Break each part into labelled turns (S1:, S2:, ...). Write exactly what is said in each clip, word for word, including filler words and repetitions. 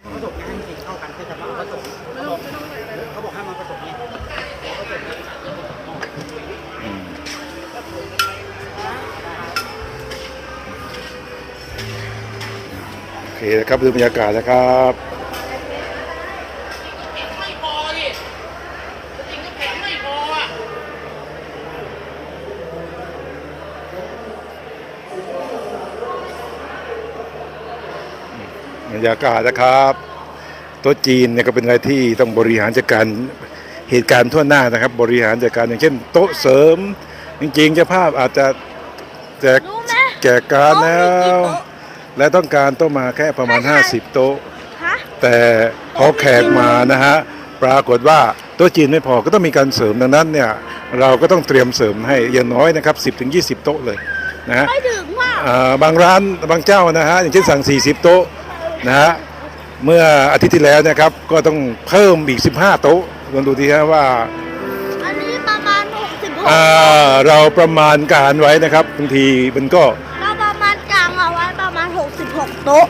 S1: ผสมให้มันเข้ากันก็จะมาผสมเขาบอกเขาบอกให้มาผสมเนี่ยผสม
S2: โอเคนะครับดูบรรยากาศนะครับ
S3: ไม่พอดิจริงก็แข็งไม่พออ่ะ
S2: บรรยากาศนะครับโต๊ะจีนเนี่ยก็เป็นอะไรที่ต้องบริหารจัดการเหตุการณ์ทั่วหน้านะครับบริหารจัดการอย่างเช่นโต๊ะเสริมจริงๆเจ้าภาพอาจจะแจกแจกการแล้วและต้องการโต๊ะมาแค่ประมาณห้าสิบโต๊ะแต่พอแขกมานะฮะปรากฏว่าโต๊ะจีนไม่พอก็ต้องมีการเสริมดังนั้นเนี่ยเราก็ต้องเตรียมเสริมให้อย่างน้อยนะครับ สิบถึงยี่สิบ โต๊ะเลยนะฮะบางร้านบางเจ้านะฮะอย่างเช่นสั่งสี่สิบโต๊ะนะฮะเมื่ออาทิตย์ที่แล้วนะครับก็ต้องเพิ่มอีกสิบห้าโต๊ะลองดูทีฮะว่า
S4: อันนี้ประมาณหกสิบหก
S2: เราประมาณการไว้นะครับบางทีมันก็
S4: เราประมาณกลางเอาไว้ประมาณหกสิบหกโต๊ะ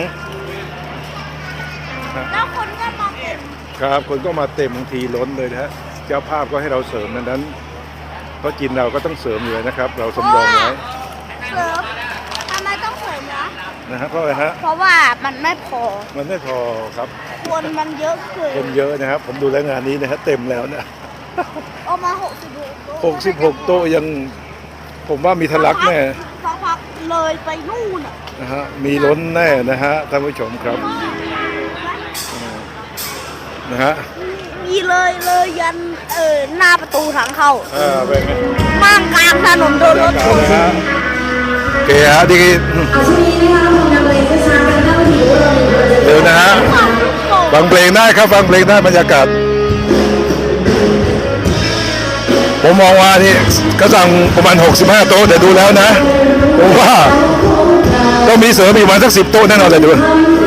S4: แล้วคนก็มาเต็ม
S2: ครับคนก็มาเต็มบางทีล้นเลยนะฮะเจ้าภาพก็ให้เราเสริมดังนั้นเพราะกินเราก็ต้องเสริมอยู่นะครับเราสำรองไว้
S4: เสริมทำไมต้องเสริมนะ
S2: นะฮะเพราะอะไรฮะ
S4: เพราะว่ามันไม่พอ
S2: มันไม่พอครับ
S4: คนมันเยอะเกิน
S2: คนเยอะนะครับผมดูแลงานนี้นะฮะเต็มแล้วนะ
S4: เอามาหกสิบหกโต๊ะ
S2: หกสิบหกโต๊ะยังผมว่ามีทะลักแน่
S4: สักพักเลยไปนู่น
S2: นะฮะมีล้นแน่นะฮะท่านผู้ชมครับนะฮะ
S4: มีเลยเลยยันเออหน้าประตูทางเข้า
S2: อ่าเป็นไง
S4: มากกลางถนนโดนรถชน
S2: โอเคฮะดีเดี๋ยวนะฮะฟังเพลงได้ครับฟังเพลงได้บรรยากาศผมมองว่านี่ก็สั่งประมาณหกสิบห้าโต๊ะแต่ดูแล้วนะผมว่าต้องมีเสริมอีกประมาณสักสิบโต๊ะแน่นอนเลยดู